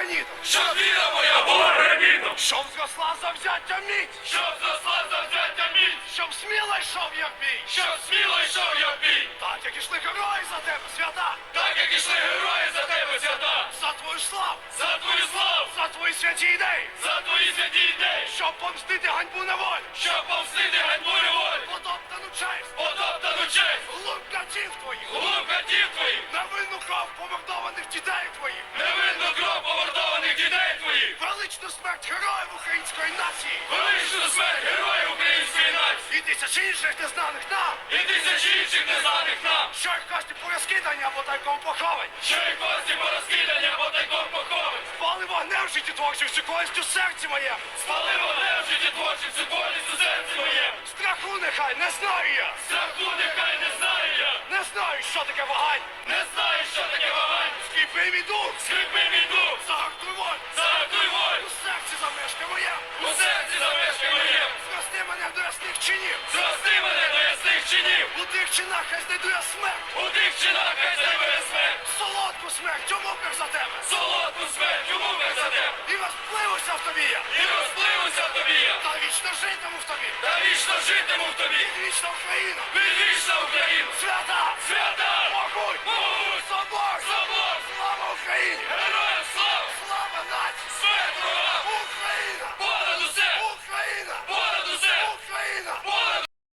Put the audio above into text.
гранітом. Щоб віра моя була гранітом. Щоб зросла завзяття міць. Щоб зросла завзяття міць. Щоб сміло йшов я в бій. Щоб сміло йшов я в бій. Так, як ішли герої за тебе, свята. Так, як ішли герої за тебе, свята. За твою славу. За твою славу. За твої святі ідеї. За твої святі ідеї. Щоб помстити ганьбу на волю. Щоб помстити ганьбу неволі. Потоптану честь. Потоптану честь. Глум катів твоїх. Глум катів твоїх. Невинну кров помордованих дітей твоїх. Невинну кров помордованих дітей твоїх. Величну смерть героїв української нації. Величну смерть героїв української нації. І тисячі інших незнаних нам. І тисячі інших незнаних нам. Що їх кості порозкидані або тайком поховані. Що і кості порозкидані або тайком поховані. Спали вогнем в житті творчих всю в серці моєму. Спали вогнем в житті творчим всю болість у серці моєму. Страху нехай не знаю я. Страху нехай не знаю я. Не знаю, що таке вагань. Не знаю, що таке вагань. Скріпи мій дух. Скріпи мій дух. Загартуй волю. Загартуй волю. У серці замешка моєму. У серці замешкай моєму. Зрости мене до ясних чинів. Зрости мене до ясних чинів. У тих чинах хай знайду я смерть. У тих чинах хай знайде смерть. Солодку смерть у муках за тебе. Солодку смерть у муках за тебе. І розпливуся в тобі я. І розпливуся в тобі я. Та вічно житиму в тобі. Та вічно житиму в тобі. Вічна Україна. Відвічна Україна. Свята. Свята.